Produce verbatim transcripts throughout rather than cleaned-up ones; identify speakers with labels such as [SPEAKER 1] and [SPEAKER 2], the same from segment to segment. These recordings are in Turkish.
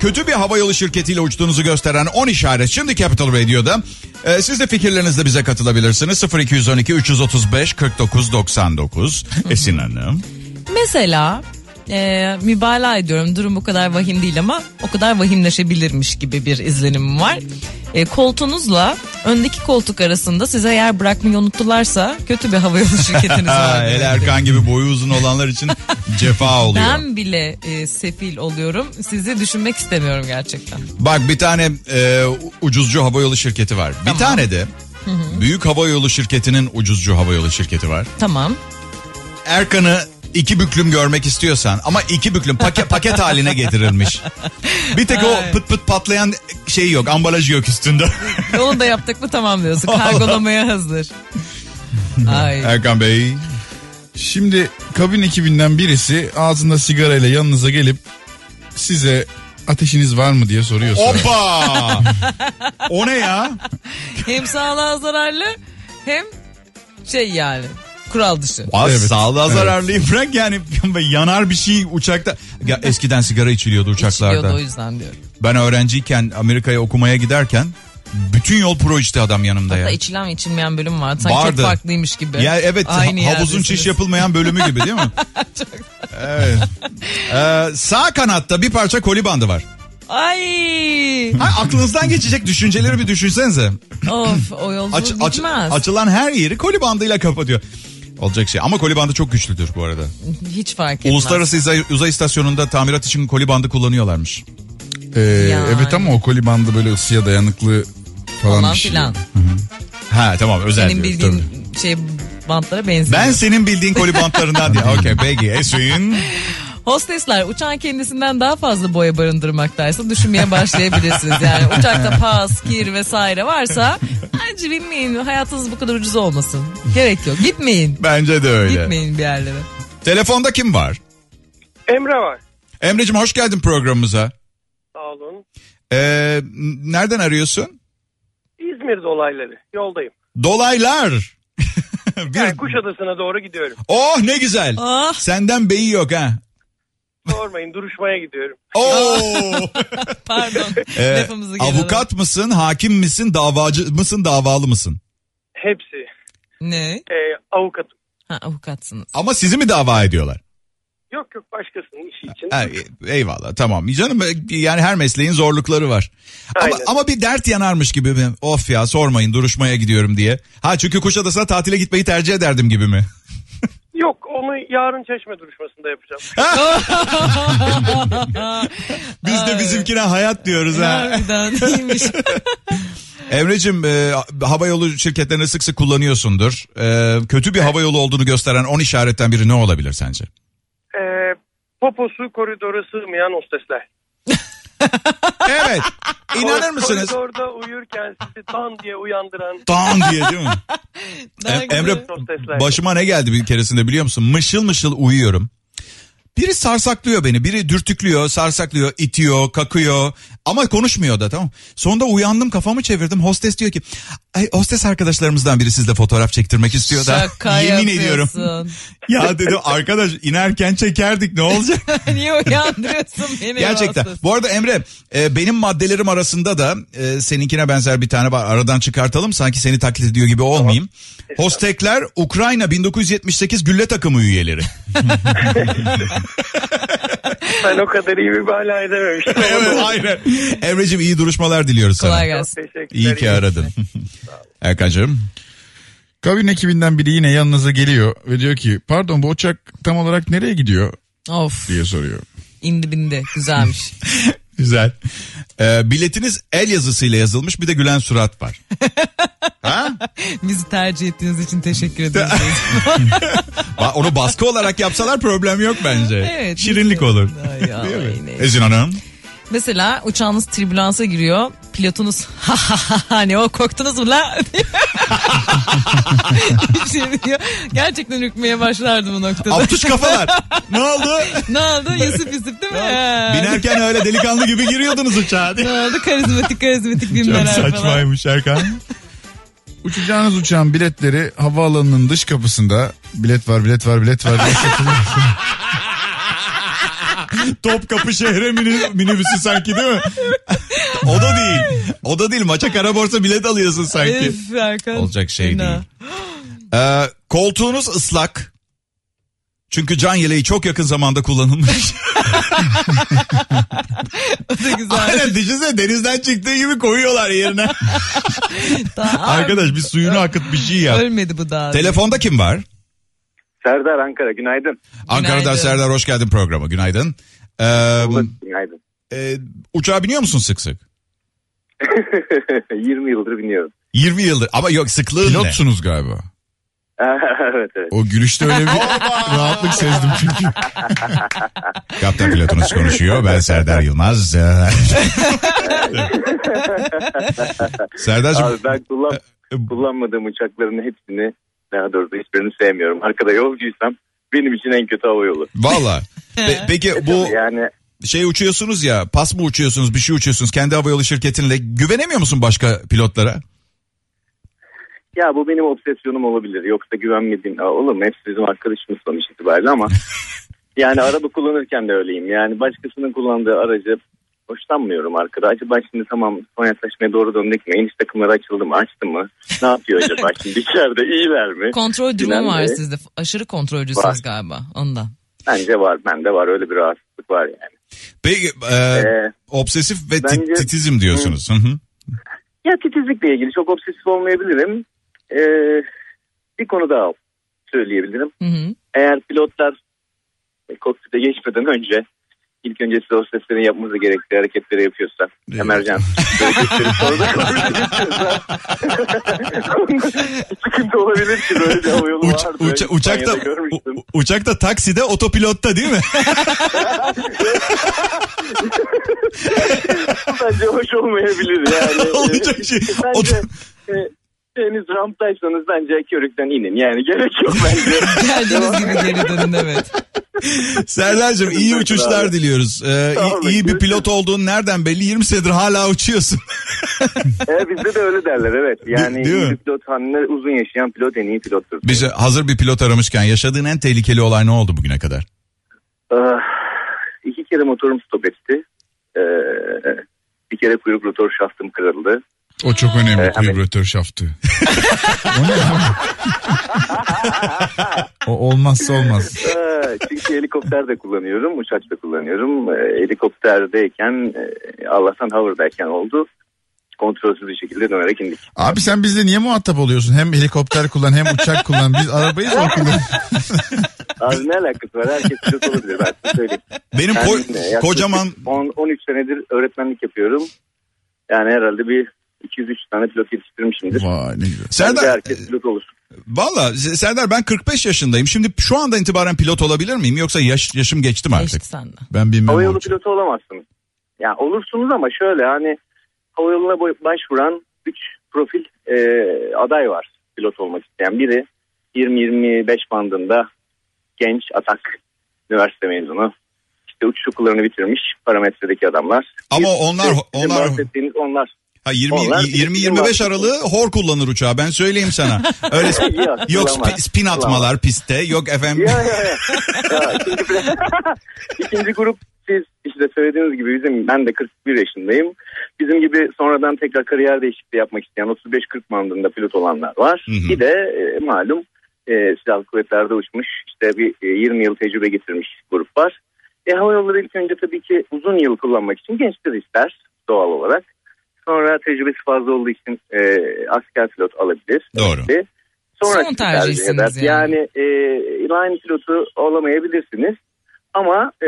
[SPEAKER 1] kötü bir havayolu şirketiyle uçtuğunuzu gösteren on işaret şimdi Capital Radio'da. Ee, siz de fikirlerinizle bize katılabilirsiniz. sıfır iki on iki üç otuz beş kırk dokuz doksan dokuz. Esin Hanım.
[SPEAKER 2] Mesela e, mübalağa ediyorum. Durum bu kadar vahim değil ama o kadar vahimleşebilirmiş gibi bir izlenimim var. E, koltuğunuzla öndeki koltuk arasında size yer bırakmayı unuttularsa kötü bir havayolu şirketiniz var.
[SPEAKER 1] El Erkan gibi boyu uzun olanlar için cefa oluyor.
[SPEAKER 2] Ben bile e, sefil oluyorum. Sizi düşünmek istemiyorum gerçekten.
[SPEAKER 1] Bak bir tane e, ucuzcu havayolu şirketi var.
[SPEAKER 2] Tamam.
[SPEAKER 1] Bir tane de hı hı. büyük havayolu şirketinin ucuzcu havayolu şirketi var.
[SPEAKER 2] Tamam.
[SPEAKER 1] Erkan'ı iki büklüm görmek istiyorsan ama iki büklüm paket, paket haline getirilmiş. Bir tek o pıt pıt patlayan şey yok, ambalajı yok üstünde.
[SPEAKER 2] Onu da yaptık mı tamam diyorsun. Kargolamaya hazır. Ay.
[SPEAKER 1] Erkan Bey.
[SPEAKER 3] Şimdi kabin ekibinden birisi ağzında sigarayla yanınıza gelip size ateşiniz var mı diye soruyorsa.
[SPEAKER 1] Hoppa! O ne ya?
[SPEAKER 2] Hem sağlığa zararlı hem şey yani kural dışı.
[SPEAKER 1] Az
[SPEAKER 3] evet.
[SPEAKER 1] Sağlığa
[SPEAKER 3] evet.
[SPEAKER 1] zararlıyım bırak yani yanar bir şey uçakta. Ya eskiden sigara içiliyordu uçaklarda.
[SPEAKER 2] İçiliyordu o yüzden diyorum.
[SPEAKER 1] Ben öğrenciyken Amerika'ya okumaya giderken bütün yol pro içti adam yanımda.
[SPEAKER 2] Hatta
[SPEAKER 1] ya.
[SPEAKER 2] Hatta içilen ve içilmeyen bölüm vardı. Sanki vardı. Çok farklıymış gibi.
[SPEAKER 1] Ya evet
[SPEAKER 2] Aynı
[SPEAKER 1] ha, havuzun çiş yapılmayan bölümü gibi değil mi?
[SPEAKER 2] Çok...
[SPEAKER 1] Evet. Ee, sağ kanatta bir parça koli bandı var.
[SPEAKER 2] Ay.
[SPEAKER 1] Ha, aklınızdan geçecek düşünceleri bir düşünsenize.
[SPEAKER 2] Of o yolculuk
[SPEAKER 1] aç, aç,
[SPEAKER 2] bitmez.
[SPEAKER 1] Açılan her yeri koli bandıyla kapatıyor. Olacak şey ama koli bandı çok güçlüdür bu arada.
[SPEAKER 2] Hiç fark etmez.
[SPEAKER 1] Uluslararası uzay, uzay istasyonunda tamirat için koli bandı kullanıyorlarmış.
[SPEAKER 3] Ee, yani. Evet ama o koli bandı böyle ısıya dayanıklı falan, falan bir şey. Filan.
[SPEAKER 1] Ha tamam özel
[SPEAKER 2] senin
[SPEAKER 1] diyoruz,
[SPEAKER 2] bildiğin
[SPEAKER 1] tabii.
[SPEAKER 2] şey bantlara benziyor.
[SPEAKER 1] Ben senin bildiğin koli bantlarından diye. Okey peki Esin.
[SPEAKER 2] Hostesler uçağın kendisinden daha fazla boya barındırmaktaysa düşünmeye başlayabilirsiniz. Yani uçakta pas, kir vesaire varsa bence binmeyin. Hayatınız bu kadar ucuz olmasın. Gerek yok. Gitmeyin.
[SPEAKER 1] Bence de öyle.
[SPEAKER 2] Gitmeyin bir yerlere.
[SPEAKER 1] Telefonda kim var?
[SPEAKER 4] Emre var.
[SPEAKER 1] Emre'cim hoş geldin programımıza.
[SPEAKER 4] Sağ olun.
[SPEAKER 1] Ee, nereden arıyorsun?
[SPEAKER 4] İzmir dolayları. Yoldayım.
[SPEAKER 1] Dolaylar.
[SPEAKER 4] bir... Yani Kuşadası'na doğru gidiyorum.
[SPEAKER 1] Oh ne güzel.
[SPEAKER 2] Ah.
[SPEAKER 1] Senden beyi yok ha.
[SPEAKER 4] Sormayın duruşmaya gidiyorum.
[SPEAKER 1] Oo.
[SPEAKER 2] Pardon.
[SPEAKER 1] Ee,
[SPEAKER 2] Lafımızı geri
[SPEAKER 1] avukat alalım. Mısın, hakim misin, davacı mısın, davalı mısın?
[SPEAKER 4] Hepsi.
[SPEAKER 2] Ne?
[SPEAKER 4] Ee, avukatım.
[SPEAKER 2] Ha avukatsınız.
[SPEAKER 1] Ama sizi mi dava ediyorlar?
[SPEAKER 4] Yok yok başkasının işi için.
[SPEAKER 1] Ha, eyvallah tamam. Canım yani her mesleğin zorlukları var. Ama, ama bir dert yanarmış gibi mi? Of ya sormayın duruşmaya gidiyorum diye. Ha çünkü Kuşadası'na tatile gitmeyi tercih ederdim gibi mi?
[SPEAKER 4] Yok onu yarın Çeşme duruşmasında yapacağım.
[SPEAKER 1] Biz de bizimkine hayat diyoruz ha.
[SPEAKER 2] Harbiden iyiymiş.
[SPEAKER 1] Emre'cim e, havayolu şirketlerini sık sık kullanıyorsundur. E, kötü bir havayolu olduğunu gösteren on işaretten biri ne olabilir sence?
[SPEAKER 4] E, poposu koridora sığmayan hostesler.
[SPEAKER 1] Evet. İnanır mısınız?
[SPEAKER 4] Koridorda uyurken sizi tan diye uyandıran.
[SPEAKER 1] Tan diye değil mi? em, Emre başıma ne geldi bir keresinde biliyor musun? Mışıl mışıl uyuyorum. Biri sarsaklıyor beni, biri dürtüklüyor, sarsaklıyor, itiyor, kakıyor ama konuşmuyor da tamam. Sonunda uyandım kafamı çevirdim. Hostes diyor ki ay hostes arkadaşlarımızdan biri sizle fotoğraf çektirmek istiyor da.
[SPEAKER 2] Şaka
[SPEAKER 1] yemin
[SPEAKER 2] yapıyorsun.
[SPEAKER 1] ediyorum. Ya dedim arkadaş inerken çekerdik ne olacak?
[SPEAKER 2] Niye uyandırıyorsun beni?
[SPEAKER 1] Gerçekten. Hostes. Bu arada Emre e, benim maddelerim arasında da e, seninkine benzer bir tane var. Aradan çıkartalım sanki seni taklit ediyor gibi olmayayım. Tamam. Hostekler Ukrayna bin dokuz yüz yetmiş sekiz gülle takımı üyeleri.
[SPEAKER 4] Ben o kadar iyi bir bala edememiştim.
[SPEAKER 1] Evet aynen. Emre'cim iyi duruşmalar diliyoruz sana.
[SPEAKER 2] Kolay gelsin.
[SPEAKER 1] İyi ki aradın. Erkan'cığım.
[SPEAKER 3] Kabin ekibinden biri yine yanınıza geliyor ve diyor ki pardon bu uçak tam olarak nereye gidiyor?
[SPEAKER 2] Of.
[SPEAKER 3] Diye soruyor.
[SPEAKER 2] İndi bindi güzelmiş.
[SPEAKER 1] Güzel. Ee, biletiniz el yazısıyla yazılmış bir de gülen surat var. Ha?
[SPEAKER 2] Bizi tercih ettiğiniz için teşekkür ederiz.
[SPEAKER 1] Onu baskı olarak yapsalar problem yok bence.
[SPEAKER 2] Evet.
[SPEAKER 1] Şirinlik olur.
[SPEAKER 2] Ay, ay,
[SPEAKER 1] Ezin Hanım.
[SPEAKER 2] Mesela uçağınız tribülansa giriyor. Pilotunuz hani o korktunuz mu la? şey diyor. Gerçekten ürkmeye başlardı bu noktada.
[SPEAKER 1] Aptuş kafalar. Ne oldu?
[SPEAKER 2] Ne oldu? Yusuf Yusuf değil mi?
[SPEAKER 1] Binerken öyle delikanlı gibi giriyordunuz uçağa.
[SPEAKER 2] Ne oldu? Karizmatik karizmatik filmler falan.
[SPEAKER 1] Çok saçmaymış Erkan.
[SPEAKER 3] Uçacağınız uçağın biletleri havaalanının dış kapısında bilet var bilet var bilet var diye satılıyor.
[SPEAKER 1] Topkapı şehre mini, minibüsü sanki değil mi? O da değil. O da değil. Maça kara borsa bilet alıyorsun sanki.
[SPEAKER 2] Öf, Erkan.
[SPEAKER 1] Olacak şey
[SPEAKER 2] Fena.
[SPEAKER 1] değil. Ee, koltuğunuz ıslak. Çünkü can yeleği çok yakın zamanda kullanılmış.
[SPEAKER 2] O da güzel.
[SPEAKER 1] Aynen, düşünsene denizden çıktığı gibi koyuyorlar yerine.
[SPEAKER 2] Daha
[SPEAKER 1] Arkadaş bir suyunu akıt, bir şey yap.
[SPEAKER 2] ölmedi bu daha.
[SPEAKER 1] Telefonda kim var?
[SPEAKER 5] Serdar, Ankara, günaydın.
[SPEAKER 1] Ankara'dan
[SPEAKER 2] Günaydın.
[SPEAKER 1] Serdar, hoş geldin programa. Günaydın. Ee,
[SPEAKER 5] Günaydın.
[SPEAKER 1] e, uçağa biniyor musun sık sık?
[SPEAKER 5] yirmi yıldır biniyorum.
[SPEAKER 1] yirmi yıldır ama yok, sıklığın ne?
[SPEAKER 3] Pilotsunuz galiba.
[SPEAKER 5] Evet evet.
[SPEAKER 3] O gülüşte öyle bir rahatlık sezdim çünkü.
[SPEAKER 1] Kaptan pilotunuz konuşuyor. Ben Serdar Yılmaz. Serdar'cığım.
[SPEAKER 5] Abi ben kullan, kullanmadığım uçakların hepsini, daha doğrusu hiçbirini sevmiyorum. Arkada yolcuysam benim için en kötü hava yolu.
[SPEAKER 1] Valla. Pe- peki bu
[SPEAKER 5] Yani
[SPEAKER 1] şey uçuyorsunuz ya, pas mı uçuyorsunuz, bir şey uçuyorsunuz kendi havayolu şirketinle, güvenemiyor musun başka pilotlara?
[SPEAKER 5] ya bu benim obsesyonum olabilir. Yoksa güvenmediğim, Aa, olur mu? Hepsi bizim arkadaşımız sonuç itibariyle ama yani araba kullanırken de öyleyim. Yani başkasının kullandığı aracı hoşlanmıyorum arkada. Acaba şimdi tamam son yaklaşmaya doğru döndük mü? İniş takımları açıldı mı? Açtı mı? Ne yapıyor acaba şimdi içeride? İyiler mi?
[SPEAKER 2] Kontrol durumu
[SPEAKER 5] Bilen
[SPEAKER 2] var
[SPEAKER 5] de-
[SPEAKER 2] sizde. Aşırı kontrolcüsünüz
[SPEAKER 5] Var.
[SPEAKER 2] galiba ondan.
[SPEAKER 5] Bence var. Bende var. Öyle bir rahatsızlık var yani.
[SPEAKER 1] Peki e,
[SPEAKER 5] Ee,
[SPEAKER 1] obsesif ve tit-
[SPEAKER 5] bence-
[SPEAKER 1] titizim diyorsunuz. Hı hı.
[SPEAKER 5] Ya titizlikle ilgili çok obsesif olmayabilirim. Ee, bir konu daha söyleyebilirim.
[SPEAKER 2] Hı hı.
[SPEAKER 5] Eğer pilotlar e, kokpite geçmeden önce ilk önce size o seslerin yapması gerektiği hareketleri yapıyorsa,
[SPEAKER 1] Evet.
[SPEAKER 5] emerjans hareketleri sonra konuşuyorsa sıkıntı olabilir ki böyle bir hava yolu
[SPEAKER 1] Uç-
[SPEAKER 5] vardı.
[SPEAKER 1] uça- uçakta
[SPEAKER 5] İspanya'da görmüştüm.
[SPEAKER 1] u- uçakta takside otopilotta değil mi?
[SPEAKER 5] Bence hoş olmayabilir yani.
[SPEAKER 1] Olacak şey.
[SPEAKER 5] Bence
[SPEAKER 1] Oto-
[SPEAKER 5] e, henüz ramptaysanız bence körükten inin. Yani gerek yok bence.
[SPEAKER 2] Geldiğiniz gibi geri dönün, evet.
[SPEAKER 1] Serdar'cığım iyi uçuşlar diliyoruz. Ee,
[SPEAKER 5] Sağ
[SPEAKER 1] iyi,
[SPEAKER 5] olun,
[SPEAKER 1] iyi bir
[SPEAKER 5] görüşürüz.
[SPEAKER 1] pilot olduğun nereden belli? yirmi senedir hala uçuyorsun.
[SPEAKER 5] E, bizde de öyle derler evet. Yani
[SPEAKER 1] Değil- değil
[SPEAKER 5] iyi
[SPEAKER 1] mi?
[SPEAKER 5] bir pilot hani uzun yaşayan pilot en iyi pilottur.
[SPEAKER 1] Bize hazır bir pilot aramışken yaşadığın en tehlikeli olay ne oldu bugüne kadar?
[SPEAKER 5] Ah, iki kere motorum stop etti. Ee, bir kere kuyruk rotor şaftım kırıldı.
[SPEAKER 3] O çok önemli,
[SPEAKER 5] Ee, hemen-
[SPEAKER 3] vibratör şaftı. O ne ya? O olmazsa olmaz.
[SPEAKER 5] Ee, çünkü helikopter de kullanıyorum, uçak da kullanıyorum. Ee, helikopterdeyken, e, Allah'tan hover'dayken oldu. Kontrolsüz bir şekilde dönerek indik.
[SPEAKER 3] Abi sen bizle niye muhatap oluyorsun? Hem helikopter kullan hem uçak kullan. Biz arabayı zor kullanıyoruz.
[SPEAKER 5] Abi ne alakası var? Herkes pilot olabilir, ben size söyleyeyim.
[SPEAKER 1] Benim
[SPEAKER 5] Ben
[SPEAKER 1] ko-
[SPEAKER 5] yaklaşık
[SPEAKER 1] kocaman
[SPEAKER 5] on, on üç senedir öğretmenlik yapıyorum. Yani herhalde bir iki yüz üç tane pilot yetiştirmişimdir.
[SPEAKER 3] Vay ne güzel.
[SPEAKER 5] Bence
[SPEAKER 1] Serdar,
[SPEAKER 5] herkes pilot olur.
[SPEAKER 1] valla Serdar ben kırk beş yaşındayım. Şimdi şu andan itibaren pilot olabilir miyim yoksa yaş, yaşım geçti mi artık?
[SPEAKER 2] Geçti sende.
[SPEAKER 3] Ben bilmem.
[SPEAKER 5] Havayolu
[SPEAKER 3] olacak.
[SPEAKER 5] pilotu olamazsınız. Yani olursunuz ama şöyle hani havayoluna boy- başvuran üç profil e, aday var pilot olmak isteyen. Biri yirmi yirmi beş bandında genç atak üniversite mezunu. İşte uçuş okullarını bitirmiş parametredeki adamlar.
[SPEAKER 1] Ama
[SPEAKER 5] Bir-
[SPEAKER 1] onlar-
[SPEAKER 5] sizin
[SPEAKER 1] onlar-
[SPEAKER 5] bahsettiğiniz onlar.
[SPEAKER 1] Ha yirmi
[SPEAKER 5] Onlar-
[SPEAKER 1] yirmi yirmi beş aralığı hor kullanır uçağı, ben söyleyeyim sana. Öyle sp-
[SPEAKER 5] Yok,
[SPEAKER 1] yok
[SPEAKER 5] kullanmaz.
[SPEAKER 1] spi- spin atmalar pistte, yok efendim.
[SPEAKER 5] Ya ya ya. ya ikinci, ikinci grup siz işte söylediğiniz gibi bizim, ben de kırk bir yaşındayım. Bizim gibi sonradan tekrar kariyer değişikliği yapmak isteyen otuz beş kırk bandında pilot olanlar var.
[SPEAKER 1] Hı hı.
[SPEAKER 5] Bir de e, malum e, silahlı kuvvetlerde uçmuş işte bir e, yirmi yıl tecrübe getirmiş grup var. E, hava yolları ilk önce tabii ki uzun yıl kullanmak için gençler ister doğal olarak. Sonra tecrübesi fazla olduğu için e, asker pilot alabilir.
[SPEAKER 1] Doğru.
[SPEAKER 5] Ve Sonra
[SPEAKER 2] Son
[SPEAKER 5] tercih
[SPEAKER 2] tercihsiniz
[SPEAKER 5] eder.
[SPEAKER 2] yani.
[SPEAKER 5] Yani e, line pilotu olamayabilirsiniz ama e,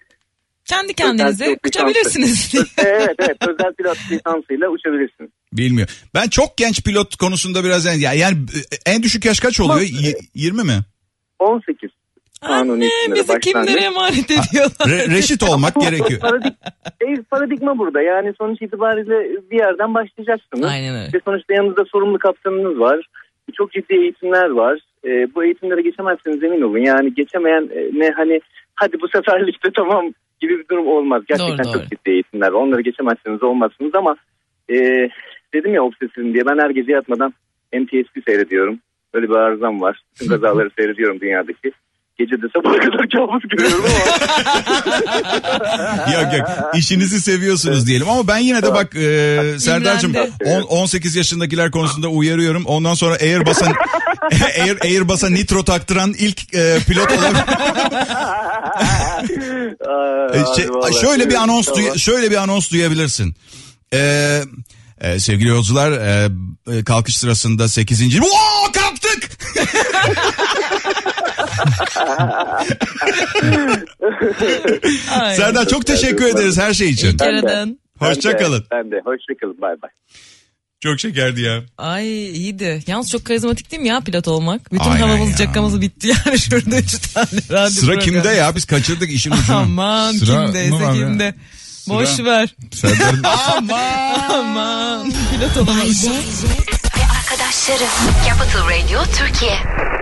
[SPEAKER 2] Kendi kendinize
[SPEAKER 5] pilot
[SPEAKER 2] uçabilirsiniz.
[SPEAKER 5] evet evet özel pilot lisansıyla uçabilirsiniz.
[SPEAKER 1] Bilmiyor. Ben çok genç pilot konusunda biraz en, yani, yani en düşük yaş kaç oluyor? Y- yirmi mi?
[SPEAKER 5] on sekiz kanuni
[SPEAKER 2] Anne
[SPEAKER 5] isimleri
[SPEAKER 2] bizi
[SPEAKER 5] başlangıç.
[SPEAKER 2] kimlere emanet ediyorlar?
[SPEAKER 1] Re- reşit olmak gerekiyor.
[SPEAKER 5] Paradig e, paradigma burada yani sonuç itibariyle bir yerden başlayacaksınız.
[SPEAKER 2] Aynen öyle.
[SPEAKER 5] Ve sonuçta yanınızda sorumlu kaptanınız var. Çok ciddi eğitimler var. E, bu eğitimlere geçemezseniz emin olun. Yani geçemeyen e, ne hani hadi bu seferlikte tamam gibi bir durum olmaz. Gerçekten
[SPEAKER 2] Doğru,
[SPEAKER 5] çok
[SPEAKER 2] doğru.
[SPEAKER 5] ciddi eğitimler. Onları geçemezseniz olmazsınız ama e, dedim ya obsesifim diye ben her gece yatmadan N T S B seyrediyorum. Böyle bir arızam var. Bütün kazaları seyrediyorum dünyadaki. Gece de sabaha kadar kabus görüyorum ama.
[SPEAKER 1] Yok yok işinizi seviyorsunuz diyelim ama ben yine de bak e, Serdar'cığım on sekiz yaşındakiler konusunda uyarıyorum. Ondan sonra Airbus'a Air, Airbus'a nitro taktıran ilk e, pilot olabilir. şey, şöyle bir anons duy- şöyle bir anons duyabilirsin. Ee, e, sevgili yolcular e, kalkış sırasında sekizinci Oo, kalktık. Serdar çok teşekkür ederiz her şey için. Hoşça kalın.
[SPEAKER 5] Ben de hoşça kalın. Bay bay.
[SPEAKER 1] Çok şekerdi ya.
[SPEAKER 2] Ay iyiydi. Yalnız çok karizmatik değil mi ya pilot olmak? Bütün
[SPEAKER 1] Aynen
[SPEAKER 2] havamız
[SPEAKER 1] ya.
[SPEAKER 2] cakamız bitti yani şurada üç tane radyo
[SPEAKER 1] Sıra
[SPEAKER 2] programı.
[SPEAKER 1] kimde ya? Biz kaçırdık işin ucunu.
[SPEAKER 2] Aman
[SPEAKER 3] Sıra
[SPEAKER 2] kimdeyse
[SPEAKER 3] mı var ya?
[SPEAKER 2] kimde.
[SPEAKER 3] Sıra.
[SPEAKER 2] Boş ver.
[SPEAKER 3] Serdar'ın
[SPEAKER 1] Aman.
[SPEAKER 2] Aman pilot olamamış.
[SPEAKER 6] Ve arkadaşları Capital Radio Türkiye.